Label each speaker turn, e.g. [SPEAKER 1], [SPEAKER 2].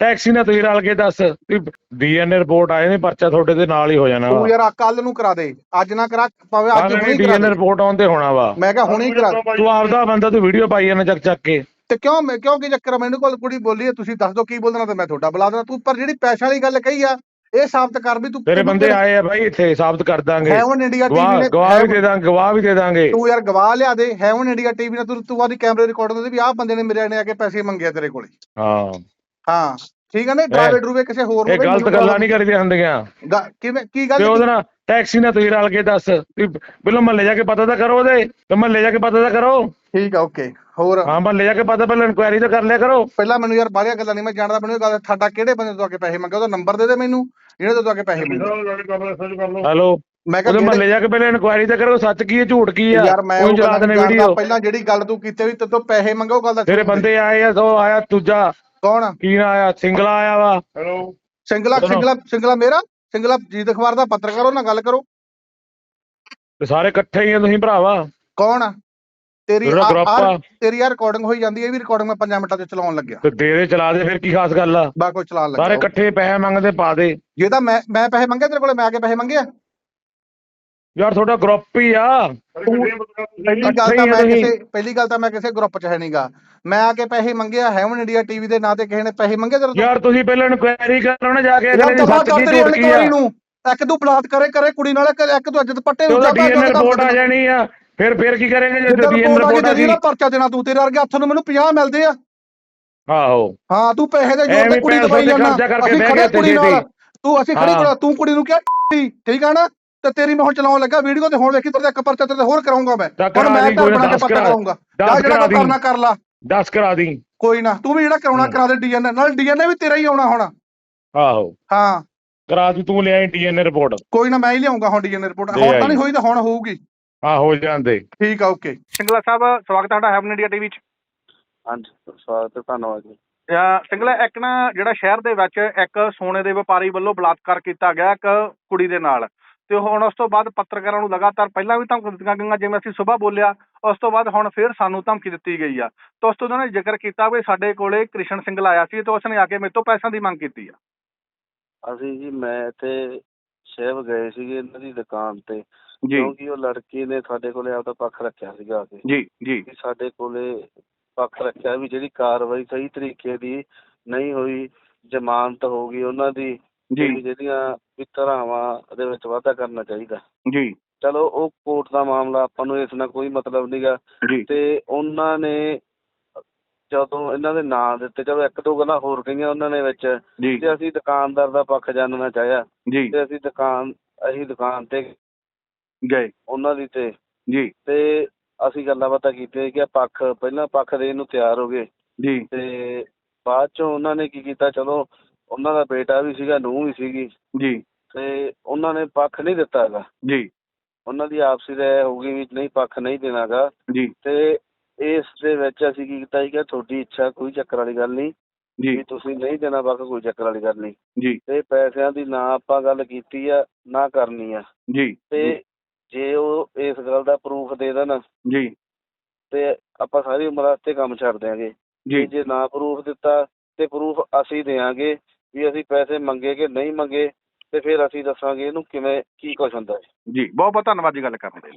[SPEAKER 1] Taxi ਨਾਲ ਤੁਸੀਂ ਰਲ ਕੇ ਦੱਸ ਡੀਐਨਏ ਰਿਪੋਰਟ ਆਏ ਨੇ, ਪਰਚਾ ਤੁਹਾਡੇ ਦੇ ਨਾਲ ਹੀ ਹੋ ਜਾਣਾ
[SPEAKER 2] ਤੂੰ
[SPEAKER 1] ਵਾ।
[SPEAKER 2] ਯਾਰ ਕੱਲ ਨੂੰ ਕਰਾ ਦੇ, ਅੱਜ ਨਾ ਕਰਾ, ਭਾਵੇਂ ਅੱਜ ਹੁਣੇ ਕਰਾ
[SPEAKER 1] ਡੀਐਨਏ
[SPEAKER 2] ਦੇ।
[SPEAKER 1] ਰਿਪੋਰਟ ਆਉਣ ਤੇ ਹੋਣਾ ਵਾ।
[SPEAKER 2] ਮੈਂ ਕਿਹਾ ਹੁਣੇ ਕਰਾ ਦੇ।
[SPEAKER 1] ਤੂੰ ਆਪਦਾ ਬੰਦਾ, ਤੂੰ ਵੀਡੀਓ ਪਾਈ ਜਾਂਦਾ ਚੱਕ ਚੱਕ ਕੇ।
[SPEAKER 2] ਤੇ ਕਿਉਂ ਕੀ ਚੱਕਰ ਆ? ਮੈਨੂੰ ਕੋਲ ਕੁੜੀ ਬੋਲੀ ਹੈ, ਤੁਸੀਂ ਦੱਸ ਦਿਓ ਕੀ ਬੋਲਣਾ ਤੇ ਮੈਂ ਤੁਹਾਡਾ ਬੁਲਾ ਦੇਣਾ। ਤੂੰ ਪਰ ਜਿਹੜੀ ਪੈਸਿਆਂ ਵਾਲੀ ਗੱਲ ਕਹੀ ਆ, ਇਹ ਸਾਬਤ ਕਰ ਵੀ ਤੂੰ।
[SPEAKER 1] ਤੇਰੇ ਬੰਦੇ ਆਏ ਆ ਬਾਈ, ਇੱਥੇ ਸਾਬਤ ਕਰ ਦਾਂਗੇ।
[SPEAKER 2] ਹੈਵਨ ਇੰਡੀਆ ਟੀਵੀ ਨੇ
[SPEAKER 1] ਗਵਾਹ ਵੀ ਦੇ ਦਾਂਗੇ, ਗਵਾਹ ਵੀ ਦੇ ਦਾਂਗੇ।
[SPEAKER 2] ਤੂੰ ਯਾਰ ਗਵਾਹ ਲਿਆ ਦੇ। ਹੈਵਨ ਇੰਡੀਆ ਟੀਵੀ ਨੇ ਤੂੰ ਆਦੀ ਕੈਮਰੇ ਰਿਕਾਰਡਿੰਗ ਦੇ ਵੀ ਆਹ ਬੰਦੇ ਨੇ ਮੇਰੇ ਨੇ ਆ ਕੇ ਪੈਸੇ ਮੰਗੇ ਤੇਰੇ ਕੋਲੇ। ਹਾਂ ਠੀਕ ਹੈ ਨਾ। ਡਰਾਵੇ ਡਰੂਵੇ ਕਿਸੇ ਹੋਰ ਨੂੰ,
[SPEAKER 1] ਇਹ ਗਲਤ ਗੱਲਾਂ ਨਹੀਂ ਕਰੀਦੀਆਂ ਹੁੰਦੀਆਂ।
[SPEAKER 2] ਕਿਵੇਂ ਕੀ ਗੱਲ?
[SPEAKER 1] ਤੇ ਉਹਦੇ ਨਾਲ ਟੈਕਸੀ ਨਾਲ ਤੁਸੀਂ ਰਲ ਕੇ ਦੱਸ, ਪਹਿਲਾਂ ਮਹੱਲੇ ਜਾ ਕੇ ਪਤਾ ਤਾਂ ਕਰੋ, ਉਹਦੇ ਤੇ ਮਹੱਲੇ ਜਾ ਕੇ ਪਤਾ ਤਾਂ ਕਰੋ।
[SPEAKER 2] ਠੀਕ ਆ, ਓਕੇ। ਹੋਰ
[SPEAKER 1] ਹਾਂ, ਮਹੱਲੇ ਜਾ ਕੇ ਪਤਾ, ਪਹਿਲਾਂ ਇਨਕੁਆਇਰੀ ਤਾਂ ਕਰ ਲਿਆ ਕਰੋ।
[SPEAKER 2] ਪਹਿਲਾਂ ਮੈਨੂੰ ਯਾਰ ਬਾਹਰੀਆਂ ਗੱਲਾਂ ਨਹੀਂ ਮੈਂ ਜਾਣਦਾ। ਮੈਨੂੰ ਇਹ ਗੱਲ ਸਾਡਾ ਕਿਹੜੇ ਬੰਦੇ ਤੋਂ ਆ ਕੇ ਪੈਸੇ ਮੰਗੇ, ਉਹਦਾ ਨੰਬਰ ਦੇ ਦੇ ਮੈਨੂੰ, ਜਿਹੜੇ ਤੋਂ ਆ ਕੇ ਪੈਸੇ ਮੰਗੇ।
[SPEAKER 1] ਹੈਲੋ,
[SPEAKER 2] ਮੈਂ
[SPEAKER 1] ਉਹਦੇ ਮਹੱਲੇ ਜਾ ਕੇ ਪਹਿਲਾਂ ਇਨਕੁਆਇਰੀ ਤਾਂ ਕਰੋ, ਸੱਚ ਕੀ ਹੈ ਝੂਠ ਕੀ ਆ।
[SPEAKER 2] ਯਾਰ ਮੈਂ
[SPEAKER 1] ਉਹ ਚਲਾ ਦੇਣੇ ਵੀਡੀਓ।
[SPEAKER 2] ਪਹਿਲਾਂ ਜਿਹੜੀ ਗੱਲ ਤੂੰ ਕੀਤੀ ਵੀ ਤੇਤੋਂ ਪੈਸੇ ਮੰਗੇ, ਉਹ ਗੱਲ ਦਾ
[SPEAKER 1] ਤੇਰੇ ਬੰਦੇ ਆਏ ਆ, ਉਹ ਆਇਆ ਦੂਜਾ
[SPEAKER 2] ਕੌਣ
[SPEAKER 1] ਕੀ ਨਾ ਆਇਆ, ਸਿੰਗਲਾ ਆਇਆ ਵਾ। ਹੈਲੋ,
[SPEAKER 2] ਸਿੰਗਲਾ ਮੇਰਾ ਸਿੰਗਲਾ ਜੀਤ ਅਖਬਾਰ ਦਾ ਪੱਤਰਕਾਰ, ਉਹ ਨਾਲ ਗੱਲ ਕਰੋ।
[SPEAKER 1] ਤੇ ਸਾਰੇ ਇਕੱਠੇ ਹੀ ਆ ਤੁਸੀਂ ਭਰਾਵਾ।
[SPEAKER 2] ਕੌਣ ਆ? ਤੇਰੀ
[SPEAKER 1] ਤੇਰੀ
[SPEAKER 2] ਯਾਰ ਰਿਕਾਰਡਿੰਗ ਹੋਈ ਜਾਂਦੀ ਹੈ, ਇਹ ਵੀ ਰਿਕਾਰਡਿੰਗ ਮੈਂ 5 ਮਿੰਟਾਂ ਚ ਚਲਾਉਣ ਲੱਗਿਆ।
[SPEAKER 1] ਤੇ ਦੇ ਚਲਾ ਦੇ, ਫਿਰ ਕੀ ਖਾਸ ਗੱਲ ਆ?
[SPEAKER 2] ਬਾ ਕੋਈ ਚਲਾਉਣ ਲੱਗਿਆ।
[SPEAKER 1] ਸਾਰੇ ਇਕੱਠੇ ਪੈਸੇ ਮੰਗਦੇ, ਪਾ ਦੇ।
[SPEAKER 2] ਜੇ ਤਾਂ ਮੈਂ ਪੈਸੇ ਮੰਗੇ ਤੇਰੇ ਕੋਲੇ, ਮੈਂ ਆ ਕੇ ਪੈਸੇ ਮੰਗੇ ਆ?
[SPEAKER 1] ਯਾਰ ਤੁਹਾਡਾ ਗਰੁੱਪ ਹੀ ਆ।
[SPEAKER 2] ਪਹਿਲੀ ਗੱਲ ਤਾਂ ਮੈਂ ਕਿਸੇ ਗਰੁੱਪ ਚ ਹੈ ਨਹੀਂਗਾ। ਮੈਂ ਆ ਕੇ ਪੈਸੇ ਮੰਗੇ ਆ ਹੈਵਨ ਇੰਡੀਆ ਟੀਵੀ ਦੇ ਨਾਂ ਤੇ ਕਿਸੇ ਨੇ ਪੈਸੇ ਮੰਗੇ ਤੇਰੇ ਤੋਂ?
[SPEAKER 1] ਯਾਰ ਤੁਸੀਂ ਪਹਿਲਾਂ ਇਨਕੁਆਇਰੀ ਕਰੋ ਨਾ ਜਾ ਕੇ।
[SPEAKER 2] ਇੱਕ ਤੂੰ ਬਲਾਤਕਾਰ ਕਰੇ ਕੁੜੀ ਨਾਲ, ਇੱਕ ਤੂੰ ਅੱਜ ਦੁਪੱਟੇ
[SPEAKER 1] ਰਿਪੋਰਟ ਆ ਜਾਣੀ ਆ। ਫਿਰ ਕੀ ਕਰੇਂਗੇ ਜੇ
[SPEAKER 2] ਪਰਚਾ ਦੇਣਾ? ਤੂੰ ਤੇਰੇ ਵਰਗੇ ਹੱਥ ਨੂੰ ਮੈਨੂੰ 50 ਮਿਲਦੇ ਆ।
[SPEAKER 1] ਆਹੋ
[SPEAKER 2] ਹਾਂ, ਤੂੰ ਪੈਸੇ ਦੇ ਜੋਰ ਤੇ ਕੁੜੀ ਦਵਾਈ ਜਾਂਦਾ। ਅਸੀਂ ਖੜੇ ਕੁੜੀ ਨਾਲ, ਅਸੀਂ ਖੜੀ ਕੋਲ ਤੂੰ ਕੁੜੀ ਨੂੰ ਕਿਹਾ ਠੀਕ ਆ ਨਾ। ਤੇ ਤੇਰੀ ਮੈਂ ਹੁਣ ਚਲਾਉਣ ਲੱਗਾ ਵੀਡੀਓ ਤੇ, ਹੁਣ ਵੇਖੀ ਤੇਰੇ ਇੱਕ ਪਰਚਾ ਤੇ ਹੋਰ ਕਰਾਉਂਗਾ ਮੈਂ। ਹੁਣ ਮੈਂ ਘਰ ਬਣਾ ਕੇ ਪੱਕਾ ਕਰਾਉਂਗਾ। ਜਿਹੜਾ ਕਰਨਾ ਕਰ ਲਾ,
[SPEAKER 1] 10 ਕਰਾ ਦੀ।
[SPEAKER 2] ਕੋਈ ਨਾ, ਤੂੰ ਵੀ ਜਿਹੜਾ ਕਰਾਉਣਾ ਕਰਾ ਦੇ। ਡੀਐਨਏ ਨਾਲ ਡੀਐਨਏ ਵੀ ਤੇਰਾ ਹੀ ਆਉਣਾ ਹੁਣ।
[SPEAKER 1] ਆਹੋ
[SPEAKER 2] ਹਾਂ
[SPEAKER 1] ਕਰਾ ਦੀ, ਤੂੰ ਲਿਆਈ ਡੀਐਨਏ ਰਿਪੋਰਟ।
[SPEAKER 2] ਕੋਈ ਨਾ, ਮੈਂ ਹੀ ਲਿਆਉਂਗਾ ਹੁਣ ਡੀਐਨਏ ਰਿਪੋਰਟ। ਹੁਣ ਤਾਂ ਨਹੀਂ ਹੋਈ ਤਾਂ ਹੁਣ ਹੋਊਗੀ।
[SPEAKER 1] ਹਾਂ, ਹੋ ਜਾਂਦੇ।
[SPEAKER 2] ਠੀਕ ਆ, ਓਕੇ। ਸਿੰਗਲਾ ਸਾਹਿਬ, ਸਵਾਗਤ ਹੈ ਤੁਹਾਡਾ ਹੈਵਨ ਇੰਡੀਆ ਟੀਵੀ ਚ।
[SPEAKER 3] ਹਾਂਜੀ, ਸਵਾਗਤ ਹੈ, ਧੰਨਵਾਦ ਜੀ।
[SPEAKER 2] ਸਿੰਗਲਾ, ਇੱਕ ਨਾ ਜਿਹੜਾ ਸ਼ਹਿਰ ਦੇ ਵਿੱਚ ਇੱਕ ਸੋਨੇ ਦੇ ਵਪਾਰੀ ਵੱਲੋਂ ਬਲਾਤਕਾਰ ਕੀਤਾ ਗਿਆ ਇੱਕ ਕੁੜੀ ਦੇ ਨਾਲ, ਤੇ ਹੁਣ ਉਸ ਤੋਂ ਬਾਅਦ ਪੱਤਰਕਾਰਾਂ ਨੂੰ ਲਗਾਤਾਰ ਪਹਿਲਾਂ ਵੀ ਧਮਕੀ ਦਿੱਤੀਆਂ ਗਈਆਂ, ਜਿਵੇਂ ਅਸੀਂ ਸੁਬਾਹ ਬੋਲਿਆ, ਉਸ ਤੋਂ ਬਾਅਦ ਹੁਣ ਫਿਰ ਸਾਨੂੰ ਧਮਕੀ ਦਿੱਤੀ ਗਈ ਆ। ਤਾਂ ਉਸ ਤੋਂ ਉਹਨਾਂ ਨੇ ਜ਼ਿਕਰ ਕੀਤਾ ਵੀ ਸਾਡੇ ਕੋਲੇ ਕ੍ਰਿਸ਼ਨ ਸਿੰਗਲ ਆਇਆ ਸੀ ਤੇ ਉਸਨੇ ਆ ਕੇ ਮੇਰੇ ਤੋਂ ਪੈਸਿਆਂ ਦੀ ਮੰਗ ਕੀਤੀ ਆ।
[SPEAKER 3] ਅਸੀਂ ਜੀ, ਮੈਂ ਇੱਥੇ ਸ਼ਹਿਰ ਗਏ ਸੀਗੇ ਇਹਨਾਂ ਦੀ ਦੁਕਾਨ ਤੇ,
[SPEAKER 2] ਕਿਉਂਕਿ
[SPEAKER 3] ਉਹ ਲੜਕੀ ਨੇ ਸਾਡੇ ਕੋਲੇ ਆਪਦਾ ਪੱਖ ਰੱਖਿਆ ਸੀਗਾ ਆ ਕੇ।
[SPEAKER 2] ਜੀ
[SPEAKER 3] ਸਾਡੇ ਕੋਲੇ ਪੱਖ ਰੱਖਿਆ ਵੀ ਜਿਹੜੀ ਕਾਰਵਾਈ ਸਹੀ ਤਰੀਕੇ ਦੀ ਨਹੀਂ ਹੋਈ, ਜ਼ਮਾਨਤ ਹੋ ਗਈ ਉਹਨਾਂ ਦੀ, ਜਿਹੜੀਆਂ ਵੀ ਧਾਰਾਵਾਂ ਦੇ ਵਿੱਚ ਵਾਧਾ ਕਰਨਾ ਚਾਹੀਦਾ
[SPEAKER 2] ਜੀ।
[SPEAKER 3] ਚਲੋ ਉਹ ਕੋਰਟ ਦਾ ਮਾਮਲਾ, ਆਪਾਂ ਨੂੰ ਇਸ ਨਾਲ ਕੋਈ ਮਤਲਬ ਨੀਗਾ। ਤੇ ਉਹਨਾਂ ਨੇ ਜਦੋਂ ਇਹਨਾਂ ਦੇ ਨਾਂ ਦਿੱਤੇ, ਚਲੋ ਇੱਕ ਦੋ ਗੱਲਾਂ ਹੋਰ ਕਹੀਆਂ ਉਹਨਾਂ ਨੇ ਵਿੱਚ, ਤੇ ਅਸੀਂ ਦੁਕਾਨਦਾਰ ਦਾ ਪੱਖ ਜਾਣਨਾ ਚਾਹਿਆ ਤੇ ਅਸੀਂ ਦੁਕਾਨ ਤੇ ਗਏ ਉਹਨਾਂ ਦੀ ਤੇ ਅਸੀਂ ਗੱਲਾਂ ਬਾਤਾਂ ਕੀਤੀਆਂ ਕਿ ਪਹਿਲਾਂ ਪੱਖ ਦੇਣ ਨੂੰ ਤਿਆਰ ਹੋ ਗਏ ਤੇ ਬਾਅਦ ਚੋਂ ਉਹਨਾਂ ਨੇ ਕੀ ਕੀਤਾ, ਚਲੋ ਉਹਨਾਂ ਦਾ ਬੇਟਾ ਵੀ ਸੀਗਾ, ਨੂੰਹ ਵੀ ਸੀਗੀ ਤੇ ਉਹਨਾਂ ਨੇ ਪੱਖ ਨਹੀਂ ਦਿੱਤਾ ਹੈਗਾ। ਉਹਨਾਂ ਦੀ ਆਪਸੀ ਰਾਏ ਹੋ ਗਈ ਵੀ ਨਹੀਂ, ਪੱਖ ਨਹੀਂ ਦੇਣਾ ਗਾ। ਤੇ ਇਸ ਦੇ ਵਿੱਚ ਅਸੀਂ ਕੀ ਕੀਤਾ ਸੀਗਾ, ਤੁਹਾਡੀ ਇੱਛਾ, ਕੋਈ ਚੱਕਰ ਵਾਲੀ ਗੱਲ ਨਹੀਂ ਵੀ ਤੁਸੀਂ ਨਹੀਂ ਦੇਣਾ ਪੱਖ, ਕੋਈ ਚੱਕਰ ਵਾਲੀ ਗੱਲ ਨਹੀਂ। ਤੇ ਪੈਸਿਆਂ ਦੀ ਨਾ ਆਪਾਂ ਗੱਲ ਕੀਤੀ ਆ, ਨਾ ਕਰਨੀ ਆ। ਤੇ ਜੇ ਉਹ ਇਸ ਗੱਲ ਦਾ ਪ੍ਰੂਫ ਦੇ ਦੇਣ ਤੇ ਆਪਾਂ ਸਾਰੀ ਉਮਰ ਵਾਸਤੇ ਕੰਮ ਛੱਡ ਦਿਆਂਗੇ। ਜੇ ਨਾ ਪ੍ਰੂਫ ਦਿੱਤਾ ਤੇ ਪ੍ਰੂਫ ਅਸੀਂ ਦਿਆਂਗੇ ਵੀ ਅਸੀਂ ਪੈਸੇ ਮੰਗੇ ਕਿ ਨਹੀਂ ਮੰਗੇ, ਤੇ ਫਿਰ ਅਸੀਂ ਦੱਸਾਂਗੇ ਇਹਨੂੰ ਕਿਵੇਂ ਕੀ ਕੁਛ ਹੁੰਦਾ ਹੈ।
[SPEAKER 2] ਬਹੁਤ ਬਹੁਤ ਧੰਨਵਾਦ ਜੀ ਗੱਲ ਕਰਨ ਦੇ ਲਈ।